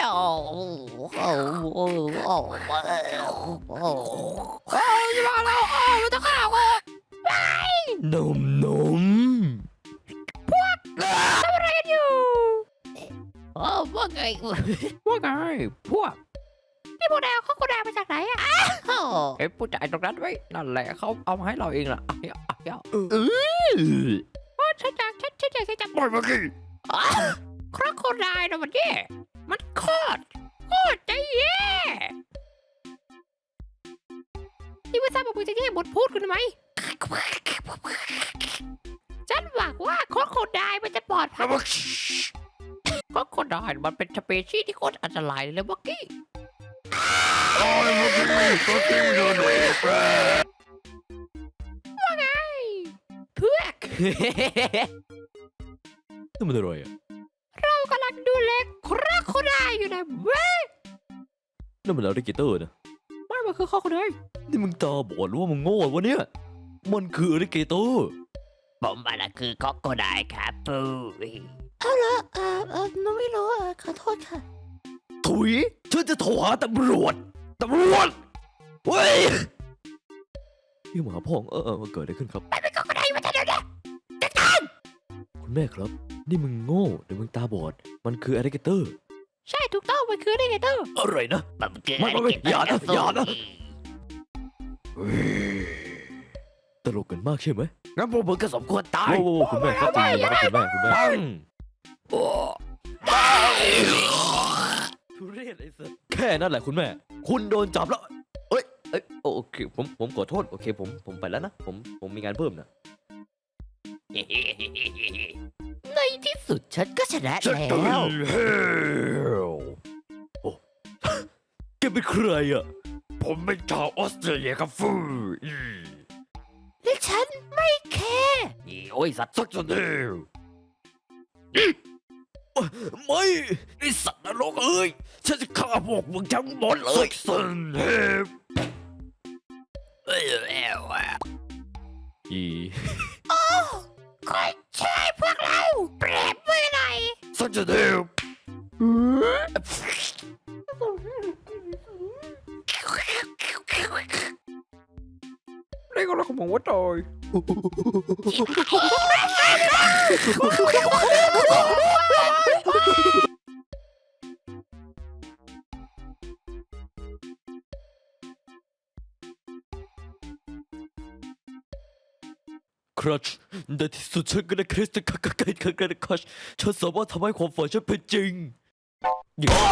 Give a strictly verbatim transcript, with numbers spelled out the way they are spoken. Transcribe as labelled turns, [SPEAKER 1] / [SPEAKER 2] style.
[SPEAKER 1] โอ้โอ้โอ้โอ้โอ้โอ้โอ้ยมาแล้วโอ้มันจะฆ่ากูไปนมนมพวกทำอะไรกันอยู่โอ้ว่าไงว่าไงพวกนี่พวกแดวเขากูแดวมาจากไหนอ่ะเอ้ผู้ชายตรงนั้นไว้นั่นแหละเขาเอามาให้เราเองล่ะเอ้ยเอ้ยเออโอ้ฉันอยากฉันฉันอยากจะปล่อยเมื่อกี้ครอโคไดล์นะมันแย่มันโคตรโคตรจะแย่ที่ไม่ทราบว่ามึงจะแย่บทพูดกันไหมฉันหวังว่าครอโคไดล์มันจะปลอดภัยครอโคไดล์มันเป็นสเปชีส์ที่โคตรอันตรายเลยเมื่อกี้ว่าไงเพื่อก
[SPEAKER 2] นี่มันอะไรอ่ะ
[SPEAKER 1] เรากำลังดูแลครอโคไดล์อยู่นะเว้ย
[SPEAKER 2] นั่นมันอะไรกิเตอร์นะ
[SPEAKER 1] มันมันคือครอโคไดล์
[SPEAKER 2] นี่มึงตาบอดหรือว่ามึงโง่วะเนี่ยมันคืออะไรกิเตอร์
[SPEAKER 1] ผมมันคือครอโคไดล์ครับปูเอาละเออเออน้องไม่รู้อ่ะขอโทษค่ะ
[SPEAKER 2] ถุยฉันจะโทรหาตำรวจตำรวจเฮ้ยพี่หมาพ่องเออเออมันเกิดอะไรขึ้นครับ
[SPEAKER 1] ไปเป็นครอโคไดล์มาเดี๋ยวนี้จัดการ
[SPEAKER 2] คุณแม่ครับนี่มึงโง่หรือมึงตาบอดมันคืออะไรกิเตอร์
[SPEAKER 1] ใช่ถูกต้องมันคืออะไรกันเตอร์
[SPEAKER 2] อะไรนะ
[SPEAKER 1] มันคือ
[SPEAKER 2] ไม่ไม่ไม่อย่านะอย่านะตลกกันมากใช่ไหม
[SPEAKER 1] งั้นพวกมึงก็สมควรตาย
[SPEAKER 2] โอ้โหคุณแม่ครับจริงๆนะครับคุณแม่คุณแม่ทุเรศไอ้สัสแค่นั้นแหละคุณแม่คุณโดนจับแล้วเอ้ยเอ้ยโอเคผมผมขอโทษโอเคผมผมไปแล้วนะผมผมมีงานเพิ่มนะ
[SPEAKER 1] ในที่สุดฉันก็ชนะแล้ว
[SPEAKER 2] โอ้แกเป็นใครอ่ะ
[SPEAKER 3] ผมเป็นชาวออสเตรเลียครับฟูอืม
[SPEAKER 1] และฉันไม่แคร์โอ้ยสัตว์
[SPEAKER 3] สักจนเดียว
[SPEAKER 2] ไม่
[SPEAKER 3] ไอสัตว์นรกเอ้ยฉันจะฆ่าพวกมึงทั้งหมดเลยสันเฮฟเอ้ยเอ้วอ่ะ
[SPEAKER 2] อี
[SPEAKER 1] โอ้คอยช่วยพวกเราเปรบมือหน่อย
[SPEAKER 3] สักจนเดียว
[SPEAKER 1] เรียกอะไรของผมว่าตาย
[SPEAKER 2] ครัชในที่สุดฉันก็ได้คริสต์คักไก่คักไก่คัชฉันสามารถทำให้ความฝันฉันเป็นจริง